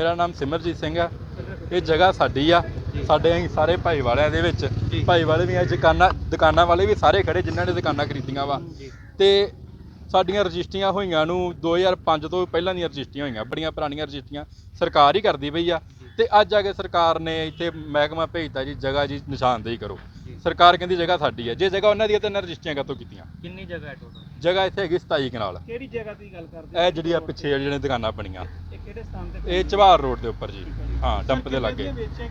ਮੇਰਾ ਨਾਮ ਸਿਮਰਜੀਤ ਸਿੰਘ ਆ। ਇਹ ਜਗ੍ਹਾ ਸਾਡੀ ਆ, ਸਾਡੇ ਅਸੀਂ ਸਾਰੇ ਭਾਈਵਾਲਿਆਂ ਦੇ ਵਿੱਚ, ਭਾਈਵਾਲੇ ਵੀ ਆ, ਦੁਕਾਨਾਂ ਵਾਲੇ ਵੀ ਸਾਰੇ ਖੜੇ ਜਿਨ੍ਹਾਂ ਨੇ ਦੁਕਾਨਾਂ ਖਰੀਦੀਆਂ ਵਾ। ਤੇ ਸਾਡੀਆਂ ਰਜਿਸਟਰੀਆਂ ਹੋਈਆਂ ਨੂੰ 2005 ਤੋਂ ਪਹਿਲਾਂ ਦੀਆਂ ਰਜਿਸਟਰੀਆਂ ਹੋਈਆਂ, ਬੜੀਆਂ ਪੁਰਾਣੀਆਂ ਰਜਿਸਟਰੀਆਂ ਸਰਕਾਰ ਹੀ ਕਰਦੀ ਪਈ ਆ। ਤੇ ਅੱਜ ਆ ਕੇ ਸਰਕਾਰ ਨੇ ਇੱਥੇ ਮਹਿਕਮਾ ਭੇਜਤਾ ਜੀ, ਜਗ੍ਹਾ ਜੀ ਨਿਸ਼ਾਨਦੇਹੀ ਕਰੋ। ਸਰਕਾਰ ਕਹਿੰਦੀ ਜਗ੍ਹਾ ਸਾਡੀ ਹੈ, ਜੇ ਜਗ੍ਹਾ ਉਹਨਾਂ ਦੀ ਹੈ ਤਾਂ ਇਹਨਾਂ ਰਜਿਸਟਰੀਆਂ ਕਾਹਤੋਂ ਕੀਤੀਆਂ? ਕਿੰਨੀ ਜਗ੍ਹਾ ਹੈ ਟੋਟਲ? ਜਗ੍ਹਾ ਇੱਥੇ ਹੈਗੀ 27 ਕਨਾਲ। ਕਿਹੜੀ ਜਗ੍ਹਾ ਦੀ ਗੱਲ ਕਰਦੇ? ਇਹ ਜਿਹੜੀ ਆ ਪਿੱਛੇ ਜਿਹੜੀਆਂ ਦੁਕਾਨਾਂ ਬਣੀਆਂ, ਇਹ ਕਿਹੜੇ ਸਥਾਨ ਤੇ? ਇਹ ਚਵਾਰ ਰੋਡ ਦੇ ਉੱਪਰ ਜੀ। ਹਾਂ, ਡੰਪ ਦੇ ਲਾਗੇ।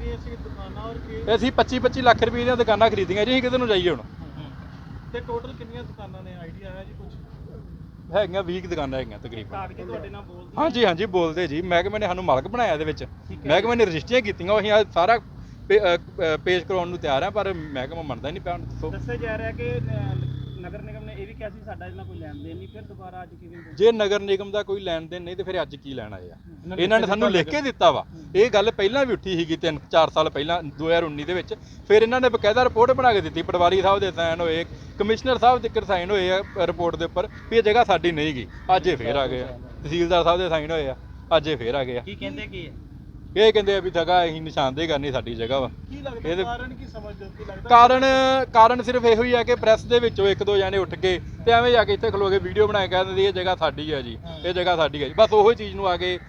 ਅਸੀਂ 25-25 ਲੱਖ ਰੁਪਏ ਦੀਆਂ ਦੁਕਾਨਾਂ ਖਰੀਦੀਆਂ ਜੀ। ਅਸੀਂ ਕਿਤੇ ਨੂੰ ਜਾਈਏ ਹੁਣ? ਤੇ ਟੋਟਲ ਕਿੰਨੀਆਂ ਦੁਕਾਨਾਂ ਨੇ, ਆਈਡੀਆ ਹੈ ਜੀ ਕੁਝ? ਹੈਗੀਆਂ 20 ਦੁਕਾਨਾਂ ਹੈਗੀਆਂ ਤਕਰੀਬਨ। ਕਾਗਜ਼ ਤੁਹਾਡੇ ਨਾਲ ਬੋਲਦੇ? ਹਾਂਜੀ ਹਾਂਜੀ ਬੋਲਦੇ ਜੀ। ਮਹਿਕਮੇ ਨੇ ਸਾਨੂੰ ਮਾਲਕ ਬਣਾਇਆ ਇਹਦੇ ਵਿੱਚ, ਮਹਿਕਮੇ ਨੇ ਰਜਿਸਟਰੀਆਂ ਕੀਤੀਆਂ। ਅਸੀਂ ਅੱਜ ਸਾਰਾ ਪੇਸ਼ ਕਰਾਉਣ ਨੂੰ ਤਿਆਰ ਆ, ਪਰ ਮਹਿਕਮਾ ਮੰਨਦਾ ਹੀ ਨਹੀਂ ਪਿਆ। ਦੱਸਿਆ ਜਾ ਰਿਹਾ ਕਿ ਨਗਰ ਨਿਗਮ ਨੇ ਇਹ ਵੀ ਕਿਹਾ ਸੀ ਸਾਡਾ ਇਹਨਾਂ ਕੋਈ ਲੈਣ ਦੇਣ ਨਹੀਂ, ਫਿਰ ਦੁਬਾਰਾ ਅੱਜ ਕਿਵੇਂ? ਜੇ ਨਗਰ ਨਿਗਮ ਦਾ ਕੋਈ ਲੈਣ ਦੇਣ ਨਹੀਂ ਤੇ ਫਿਰ ਅੱਜ ਕੀ ਲੈਣ ਆਏ ਆ? ਇਹਨਾਂ ਨੇ ਸਾਨੂੰ ਲਿਖ ਕੇ ਦਿੱਤਾ ਵਾ। ਇਹ ਗੱਲ ਪਹਿਲਾਂ ਵੀ ਉੱਠੀ ਸੀਗੀ 3-4 ਸਾਲ ਪਹਿਲਾਂ 2019 ਦੇ ਵਿੱਚ। ਫਿਰ ਇਹਨਾਂ ਨੇ ਬਕਾਇਦਾ ਰਿਪੋਰਟ ਬਣਾ ਕੇ ਦਿੱਤੀ, ਪਟਵਾਰੀ ਸਾਹਿਬ ਦੇ ਸਾਈਨ ਹੋਏ, ਕਮਿਸ਼ਨਰ ਸਾਹਿਬ ਦੇ ਸਾਈਨ ਹੋਏ ਆ ਰਿਪੋਰਟ ਦੇ ਉੱਪਰ ਵੀ ਇਹ ਜਗ੍ਹਾ ਸਾਡੀ ਨਹੀਂ ਗੀ। ਅੱਜ ਇਹ ਫੇਰ ਆ ਗਏ ਆ, ਤਹਿਸੀਲਦਾਰ ਸਾਹਿਬ ਦੇ ਸਾਈਨ ਹੋਏ ਆ, ਅੱਜ ਇਹ ਫੇਰ ਆ ਗਏ ਆ। ਕੀ ਕਹਿੰਦੇ ਕੀ ਹੈ? ਇਹ ਕਹਿੰਦੇ ਆ ਵੀ ਜਗ੍ਹਾ ਅਸੀਂ ਨਿਸ਼ਾਨਦੇਹੀ ਕਰਨੀ ਸਾਡੀ ਜਗ੍ਹਾ ਵਾ। ਕੀ ਲੱਗਦਾ ਕਾਰਨ ਕੀ ਸਮਝਦੇ ਹੋ? ਕੀ ਲੱਗਦਾ ਕਾਰਨ ਸਿਰਫ ਇਹੋ ਹੀ ਆ ਕਿ ਪ੍ਰੈਸ ਦੇ ਵਿੱਚੋਂ 1-2 ਜਾਣੇ ਉੱਠ ਕੇ ਤੇ ਐਵੇਂ ਜਾ ਕੇ ਇੱਥੇ ਖਲੋ ਕੇ ਵੀਡੀਓ ਬਣਾ ਕੇ ਕਹਿ ਦਿੰਦੇ ਇਹ ਜਗ੍ਹਾ ਸਾਡੀ ਹੈ ਜੀ, ਇਹ ਜਗ੍ਹਾ ਸਾਡੀ ਹੈ ਜੀ। ਬਸ ਉਹੀ ਚੀਜ਼ ਨੂੰ ਆ ਕੇ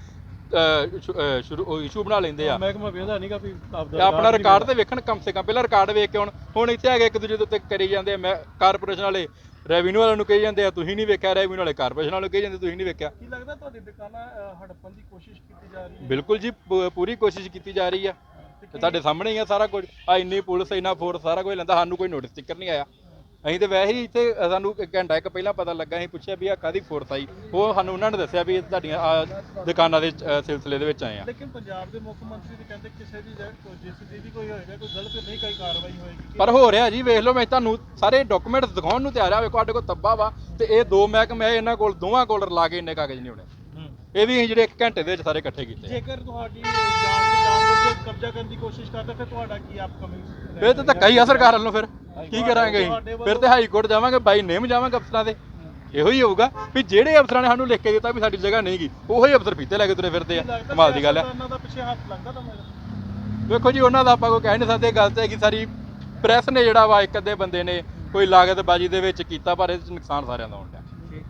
ਇਸ਼ੂ ਬਣਾ ਲੈਂਦੇ ਆ। ਮਹਿਕਮਾ ਵੇਖਦਾ ਨਹੀਂਗਾ ਵੀ ਆਪਣਾ ਰਿਕਾਰਡ ਤੇ ਵੇਖਣ, ਕਮ ਸੇ ਕਮ ਪਹਿਲਾਂ ਰਿਕਾਰਡ ਵੇਖ ਕੇ ਹੁਣ ਇੱਥੇ ਆ ਕੇ ਇੱਕ ਦੂਜੇ ਦੇ ਉੱਤੇ ਕਰੀ ਜਾਂਦੇ ਆ। ਕਾਰਪੋਰੇਸ਼ਨ ਵਾਲੇ ਰੈਵਨਿਊ ਵਾਲਿਆਂ ਨੂੰ ਕਹੀ ਜਾਂਦੇ ਆ ਤੁਸੀਂ ਨਹੀਂ ਵੇਖਿਆ, ਰੈਵਨਿਊ ਵਾਲੇ ਕਾਰਪੋਰੇਸ਼ਨ ਵਾਲਿਆਂ ਨੂੰ ਕਹੀ ਜਾਂਦੇ ਤੁਸੀਂ ਨਹੀਂ ਵੇਖਿਆ। ਕੀ ਲੱਗਦਾ ਤੁਹਾਡੀ ਦੁਕਾਨਾਂ ਹੜੱਪਣ ਦੀ ਕੋਸ਼ਿਸ਼ ਕੀਤੀ ਜਾ ਰਹੀ ਹੈ? ਬਿਲਕੁਲ ਜੀ, ਪੂਰੀ ਕੋਸ਼ਿਸ਼ ਕੀਤੀ ਜਾ ਰਹੀ ਆ। ਤੇ ਤੁਹਾਡੇ ਸਾਹਮਣੇ ਹੀ ਆ ਸਾਰਾ ਕੁਝ। ਆ ਇੰਨੀ ਪੁਲਿਸ, ਇੰਨਾ ਫੋਰਸ, ਸਾਰਾ ਕੁਝ ਲੈਂਦਾ, ਸਾਨੂੰ ਕੋਈ ਨੋਟਿਸ ਸਟਿੱਕਰ ਨਹੀਂ ਆਇਆ। ਅਸੀਂ ਤੇ ਵੈਸੇ ਹੀ ਇੱਥੇ, ਸਾਨੂੰ ਘੰਟਾ ਇੱਕ ਪਹਿਲਾਂ ਪਤਾ ਲੱਗਾ, ਅਸੀਂ ਪੁੱਛਿਆ ਵੀ ਆ ਕਾਹਦੀ ਫੋਰਸ ਆਈ, ਉਹ ਸਾਨੂੰ ਉਹਨਾਂ ਨੇ ਦੱਸਿਆ ਵੀ ਇਹ ਤੁਹਾਡੀਆਂ ਦੁਕਾਨਾਂ ਦੇ ਸਿਲਸਿਲੇ ਦੇ ਵਿੱਚ ਆਏ ਆ। ਲੇਕਿਨ ਪੰਜਾਬ ਦੇ ਮੁੱਖ ਮੰਤਰੀ ਤੇ ਕਹਿੰਦੇ ਕਿਸੇ ਦੀ ਜਿਸ ਦੀ ਕੋਈ ਹੋਏਗਾ, ਕੋਈ ਗਲਤ ਨਹੀਂ, ਕੋਈ ਕਾਰਵਾਈ ਹੋਏਗੀ। ਪਰ ਹੋ ਰਿਹਾ ਜੀ, ਵੇਖ ਲਓ, ਮੈਂ ਤੁਹਾਨੂੰ ਸਾਰੇ ਡਾਕੂਮੈਂਟਸ ਦਿਖਾਉਣ ਨੂੰ ਤਿਆਰ ਆ। ਵੇਖੋ ਸਾਡੇ ਕੋਲ ਤੱਬਾ ਵਾ ਤੇ ਇਹ 2 ਮਹਿਕਮੇ, ਇਹਨਾਂ ਕੋਲ ਦੋਵਾਂ ਕੋਲ ਰਲਾ ਕੇ ਇੰਨੇ ਕਾਗਜ਼ ਨਹੀਂ ਹੋਣੇ। ਇਹ ਵੀ ਅਸੀਂ ਜਿਹੜੇ 1 ਘੰਟੇ ਦੇ ਵਿੱਚ ਸਾਰੇ ਇਕੱਠੇ ਕੀਤੇ। ਜੇਕਰ ਤੁਹਾਡੀ ਜਾਣ ਕਬਜ਼ਾ ਕਰਨ ਦੀ ਕੋਸ਼ਿਸ਼ ਕਰਦਾ ਫਿਰ ਤੁਹਾਡਾ ਕੀ ਅਪਕਮਿੰਗ? ਫਿਰ ਤਾਂ ਧੱਕਾ ਹੀ ਆ ਸਰਕਾਰ ਵੱਲੋਂ। ਫਿਰ ਕੀ ਕਰਾਂਗੇ ਅਸੀਂ? ਫਿਰ ਤੇ ਹਾਈ ਕੋਰਟ ਜਾਵਾਂਗੇ, ਬਾਈ ਨੇਮ ਜਾਵਾਂਗੇ ਅਫਸਰਾਂ ਦੇ। ਇਹੋ ਹੀ ਹੋਊਗਾ ਵੀ ਜਿਹੜੇ ਅਫਸਰਾਂ ਨੇ ਸਾਨੂੰ ਲਿਖ ਕੇ ਦਿੱਤਾ ਵੀ ਸਾਡੀ ਜਗ੍ਹਾ ਨਹੀਂ ਗੀ, ਉਹੀ ਅਫਸਰ ਫੀਤੇ ਲੈ ਕੇ ਤੁਰੇ ਫਿਰਦੇ ਆ। ਕਮਾਲ ਦੀ ਗੱਲ ਹੈ। ਉਹਨਾਂ ਦਾ ਪਿੱਛੇ ਹੱਥ ਲੱਗਦਾ ਤੁਹਾਨੂੰ? ਵੇਖੋ ਜੀ, ਉਹਨਾਂ ਦਾ ਆਪਾਂ ਕੋਈ ਕਹਿ ਨਹੀਂ ਸਕਦੇ। ਗੱਲ ਤੇ ਕਿ ਸਾਰੀ ਪ੍ਰੈਸ ਨੇ ਜਿਹੜਾ ਵਾ, ਇੱਕ ਅੱਧੇ ਬੰਦੇ ਨੇ ਕੋਈ ਲਾਗਤਬਾਜ਼ੀ ਦੇ ਵਿੱਚ ਕੀਤਾ, ਪਰ ਇਹਦੇ ਚ ਨੁਕਸਾਨ ਸਾਰਿਆਂ ਦਾ ਹੋਣ ਡਿਆ।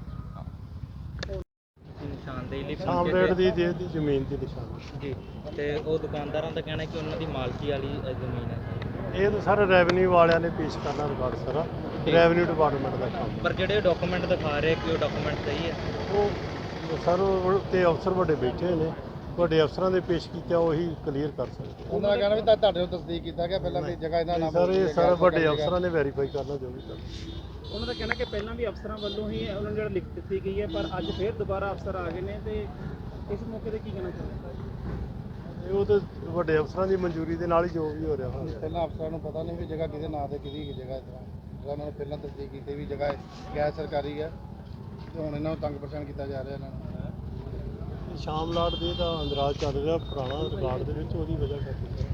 ਸਾਮਰੇਟ ਦੀ ਜ਼ਮੀਨ ਦੀ ਨਿਸ਼ਾਨੀ ਜੀ। ਤੇ ਉਹ ਦੁਕਾਨਦਾਰਾਂ ਦਾ ਕਹਿਣਾ ਕਿ ਉਹਨਾਂ ਦੀ ਮਾਲਕੀ ਵਾਲੀ ਜ਼ਮੀਨ ਹੈ। ਇਹ ਤਾਂ ਸਰ ਰੈਵਨਿਊ ਵਾਲਿਆਂ ਨੇ ਪੇਸ਼ ਕਰਨਾ ਰਿਕਾਰਡ ਸਾਰਾ, ਰੈਵਨਿਊ ਡਿਪਾਰਟਮੈਂਟ ਦਾ ਕੰਮ। ਪਰ ਜਿਹੜੇ ਡਾਕੂਮੈਂਟ ਦਿਖਾ ਰਹੇ ਕਿ ਉਹ ਡਾਕੂਮੈਂਟ ਸਹੀ ਹੈ? ਉਹ ਸਰ ਉਹ ਤੇ ਅਫਸਰ ਵੱਡੇ ਬੈਠੇ ਹੋਏ ਨੇ, ਵੱਡੇ ਅਫਸਰਾਂ ਦੇ ਪੇਸ਼ ਕੀਤਾ ਉਹੀ ਕਲੀਅਰ ਕਰ ਸਕਦੇ। ਉਹਨਾਂ ਦਾ ਕਹਿਣਾ ਵੀ ਤੁਹਾਡੇ ਨੂੰ ਤਸਦੀਕ ਕੀਤਾ ਗਿਆ ਪਹਿਲਾਂ ਵੀ ਜਗ੍ਹਾ ਇਹਦਾ ਨਾਮ ਸਰ ਇਹ ਸਾਰੇ ਵੱਡੇ ਅਫਸਰਾਂ ਨੇ ਵੈਰੀਫਾਈ ਕਰਨਾ ਜੋ ਵੀ ਕਰਨਾ। ਉਹਨਾਂ ਦਾ ਕਹਿਣਾ ਕਿ ਪਹਿਲਾਂ ਵੀ ਅਫਸਰਾਂ ਵੱਲੋਂ ਹੀ ਉਹਨਾਂ ਨੂੰ ਜਿਹੜਾ ਲਿਖ ਦਿੱਤੀ ਗਈ ਹੈ, ਪਰ ਅੱਜ ਫਿਰ ਦੁਬਾਰਾ ਅਫਸਰ ਆ ਗਏ ਨੇ। ਤੇ ਇਸ ਮੌਕੇ ਤੇ ਕੀ ਕਹਿਣਾ ਚਾਹੁੰਦੇ? ਉਹ ਤਾਂ ਵੱਡੇ ਅਫਸਰਾਂ ਦੀ ਮਨਜ਼ੂਰੀ ਦੇ ਨਾਲ ਹੀ ਜੋ ਵੀ ਹੋ ਰਿਹਾ ਹੋਣਾ। ਪਹਿਲਾਂ ਅਫਸਰਾਂ ਨੂੰ ਪਤਾ ਨਹੀਂ ਵੀ ਜਗ੍ਹਾ ਕਿਹਦੇ ਨਾਂ ਤੇ ਕਿਹਦੀ ਜਗ੍ਹਾ ਇਸ ਤਰ੍ਹਾਂ ਉਹਨਾਂ ਨੇ ਪਹਿਲਾਂ ਤਸਦੀਕ ਕੀਤੀ ਵੀ ਜਗ੍ਹਾ ਗੈਰ ਸਰਕਾਰੀ ਹੈ, ਤੇ ਹੁਣ ਇਹਨਾਂ ਨੂੰ ਤੰਗ ਪਰੇਸ਼ਾਨ ਕੀਤਾ ਜਾ ਰਿਹਾ। ਇਹਨਾਂ ਨੂੰ ਸ਼ਾਮ ਲਾਟ ਦੇ ਦਾ ਅੰਦਰਾਜ ਚੱਲ ਰਿਹਾ ਪੁਰਾਣਾ ਰਿਕਾਰਡ ਦੇ ਵਿੱਚ, ਉਹਦੀ ਵਜ੍ਹਾ ਕਰਕੇ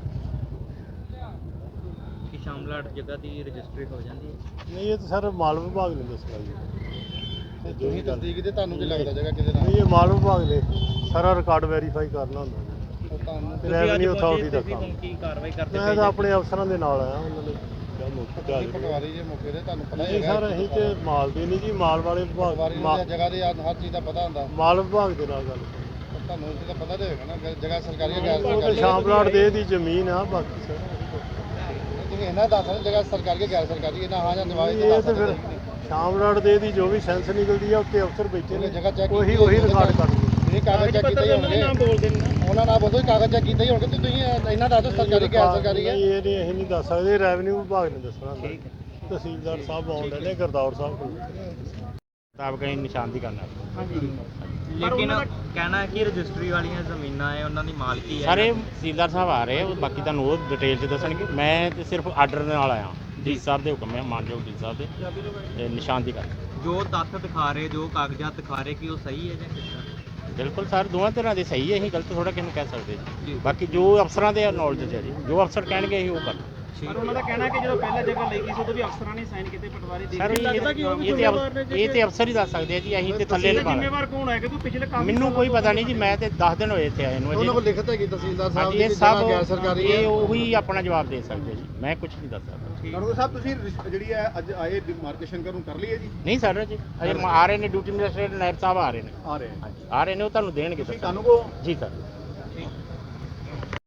ਕਿ ਸ਼ਾਮਲਾਟ ਜਗ੍ਹਾ ਦੀ ਰਜਿਸਟਰੀ ਹੋ ਜਾਂਦੀ ਹੈ? ਨਹੀਂ, ਇਹ ਤਾਂ ਸਰ ਮਾਲ ਵਿਭਾਗ ਨੇ ਦੱਸਣਾ ਜੀ। ਤੇ ਤੁਸੀਂ ਤਸਦੀਕ ਕੀਤੀ, ਤੁਹਾਨੂੰ ਕੀ ਲੱਗਦਾ ਜਗ੍ਹਾ ਕਿਹਦੇ ਨਾਂ? ਨਹੀਂ, ਇਹ ਮਾਲ ਵਿਭਾਗ ਨੇ ਸਾਰਾ ਰਿਕਾਰਡ ਵੈਰੀਫਾਈ ਕਰਨਾ ਹੁੰਦਾ ਜੀ। ਤੁਹਾਨੂੰ ਰੈਵਨਿਊ ਅਥਾਰਟੀ ਦਾ ਕੰਮ। ਕੀ ਕਾਰਵਾਈ ਕਰਦੇ? ਮੈਂ ਤਾਂ ਆਪਣੇ ਅਫਸਰਾਂ ਦੇ ਨਾਲ ਆਇਆ, ਉਹਨਾਂ ਨੇ ਕਿਹਾ ਮੌਕੇ ਤੇ ਆ ਜਾਓ। ਪਟਵਾਰੀ ਜੇ ਮੌਕੇ ਤੇ ਤੁਹਾਨੂੰ ਪਤਾ ਹੀ ਨਹੀਂ ਸਰ, ਅਸੀਂ ਤੇ ਮਾਲ ਦੇ ਨਹੀਂ ਜੀ, ਮਾਲ ਵਾਲੇ ਵਿਭਾਗ, ਪਟਵਾਰੀ ਨੂੰ ਜਗ੍ਹਾ ਦੀ ਹਰ ਚੀਜ਼ ਦਾ ਪਤਾ ਹੁੰਦਾ। ਮਾਲ ਵਿਭਾਗ ਦੇ ਨਾਲ ਗੱਲ। ਤੁਹਾਨੂੰ ਇਸ ਦਾ ਪਤਾ ਤੇ ਹੋਵੇਗਾ ਨਾ ਜਗ੍ਹਾ ਸਰਕਾਰੀ ਹੈ ਗੈਰ ਉਹ ਸਰਕਾਰੀ। ਸ਼ਾਮਲਾਟ ਦੇ ਦੀ ਜ਼ਮੀਨ ਆ, ਬਾਕੀ ਸਰ ਤੁਸੀਂ ਇਹਨਾਂ ਦੱਸ ਰਹੇ ਜਗ੍ਹਾ ਸਰਕਾਰੀ ਹੈ ਗੈਰ ਸਰਕਾਰੀ, ਇਹਨਾਂ ਹਾਂ ਜਾਂ ਜਵਾਬ ਇਹ ਤੇ ਫਿਰ ਸ਼ਾਮਲਾਟ ਦੇ ਦੀ ਜੋ ਵੀ ਸੈਂਸ ਨਿਕਲਦੀ ਆ, ਉੱਤੇ ਅਫਸਰ ਬੈਠੇ ਨੇ, ਜਗ੍ਹਾ ਚੈੱਕ ਉਹੀ ਰਿਕਾਰਡ ਕਰਦੇ। ਇਹ ਕਾਗਜ਼ ਚੈੱਕ ਕੀਤੇ ਹੀ ਹੋਣਗੇ। ਬੋਲਦੇ ਨੇ ਉਹਨਾਂ ਨਾਲ ਬੋਲੋ ਕਾਗਜ਼ ਚੈੱਕ ਕੀਤੇ ਹੀ ਹੋਣਗੇ, ਤੇ ਤੁਸੀਂ ਇਹਨਾਂ ਦੱਸੋ ਸਰਕਾਰੀ ਗੈਰ ਸਰਕਾਰੀ ਹੈ? ਨਹੀਂ, ਇਹ ਨਹੀਂ, ਅਸੀਂ ਨਹੀਂ ਦੱਸ ਸਕਦੇ, ਰੈਵਨਿਊ ਵਿਭਾਗ ਨੇ ਦੱਸਣਾ। ਤਹਿਸੀਲਦਾਰ ਸਾਹਿਬ ਆਉਂਦੇ ਨੇ, ਗੁਰਦੌਰ ਸਾਹਿਬ ਕੋਲ ਮੁਤਾਬਕ ਅਸੀਂ ਨਿਸ਼ਾਨਦੀ ਕਰਨਾ। ਹਾਂਜੀ। ਲੇਕਿਨ ਕਹਿਣਾ ਹੈ ਕਿ ਰਜਿਸਟਰੀ ਵਾਲੀਆਂ ਜ਼ਮੀਨਾਂ ਹੈ ਉਹਨਾਂ ਦੀ ਮਾਲਕੀ ਹੈ। ਸਾਰੇ ਤਹਿਸੀਲਦਾਰ ਸਾਹਿਬ ਆ ਰਹੇ, ਬਾਕੀ ਤੁਹਾਨੂੰ ਉਹ ਡਿਟੇਲ 'ਚ ਦੱਸਣਗੇ। ਮੈਂ ਤੇ ਸਿਰਫ ਆਰਡਰ ਨਾਲ ਆਇਆ, ਡੀ ਸਾਹਿਬ ਦੇ ਹੁਕਮ ਹੈ, ਮਾਨਯੋਗ ਡੀ ਸਾਹਿਬ ਦੇ, ਤੇ ਨਿਸ਼ਾਨਦੀ ਕਰ। ਜੋ ਤੱਥ ਦਿਖਾ ਰਹੇ, ਜੋ ਕਾਗਜ਼ਾਤ ਦਿਖਾ ਰਹੇ, ਕਿ ਉਹ ਸਹੀ ਹੈ ਜਾਂ ਕਿਸ ਤਰ੍ਹਾਂ? ਬਿਲਕੁਲ ਸਰ, ਦੋਵਾਂ ਤਰ੍ਹਾਂ ਦੇ ਸਹੀ ਹੈ, ਅਸੀਂ ਗਲਤ ਥੋੜਾ ਕਿਸੇ ਨੂੰ ਕਹਿ ਸਕਦੇ ਜੀ। ਬਾਕੀ ਜੋ ਅਫਸਰਾਂ ਦੇ ਨੌਲੇਜ 'ਚ ਹੈ ਜੀ, ਜੋ ਅਫਸਰ ਕਹਿਣਗੇ ਅਸੀਂ ਉਹ ਕਰ। ਪਰ ਉਹਨਾਂ ਦਾ ਕਹਿਣਾ ਕਿ ਜਦੋਂ ਪਹਿਲਾਂ ਜਗ੍ਹਾ ਲਈ ਗਈ ਸੀ ਉਦੋਂ ਵੀ ਅਫਸਰਾਂ ਨੇ ਸਾਈਨ ਕੀਤੇ ਪਟਵਾਰੀ ਦੇ ਸਰ ਇਹ ਤੇ ਅਫਸਰ ਹੀ ਦੱਸ ਸਕਦੇ ਆ ਜੀ, ਅਸੀਂ ਤੇ ਥੱਲੇ ਲਗਾ ਜ਼ਿੰਮੇਵਾਰ ਕੌਣ ਹੈ ਕਿ ਤੂੰ ਪਿਛਲੇ ਕੰਮ ਮੈਨੂੰ ਕੋਈ ਪਤਾ ਨਹੀਂ ਜੀ, ਮੈਂ ਤੇ 10 ਦਿਨ ਹੋਏ ਇੱਥੇ ਆਏ ਨੂੰ ਉਹਨਾਂ ਕੋਲ ਲਿਖਤ ਹੈਗੀ ਤਹਿਸੀਲਦਾਰ ਸਾਹਿਬ ਹਾਂਜੀ ਦੀ ਇਹ ਕਿ ਸਭ ਜਗ੍ਹਾ ਗੈਰ ਸਰਕਾਰੀ ਇਹ ਹੈ। ਉਹੀ ਆਪਣਾ ਜਵਾਬ ਦੇ ਸਕਦੇ ਜੀ, ਮੈਂ ਕੁਝ ਨਹੀਂ ਦੱਸ ਸਕਦਾ। ਕਾਨੂੰਗੋ ਸਾਹਿਬ ਤੁਸੀਂ ਜਿਹੜੀ ਹੈ ਅੱਜ ਆਏ ਡਿਮਾਰਕੇਸ਼ਨ ਕਰਨ ਕਰ ਲਈ ਹੈ ਜੀ? ਨਹੀਂ ਸਰ ਜੀ ਅਜੇ ਆ ਰਹੇ ਨੇ ਡਿਊਟੀ ਮੈਜਿਸਟ੍ਰੇਟ ਨਾਇਬ ਸਾਹਿਬ ਆ ਰਹੇ ਨੇ, ਆ ਰਹੇ ਹਾਂਜੀ ਆ ਰਹੇ ਨੇ, ਉਹ ਤੁਹਾਨੂੰ ਦੇਣਗੇ ਤੁਸੀਂ ਦੱਸਣ। ਕਾਨੂੰਗੋ ਜੀ ਸਰ।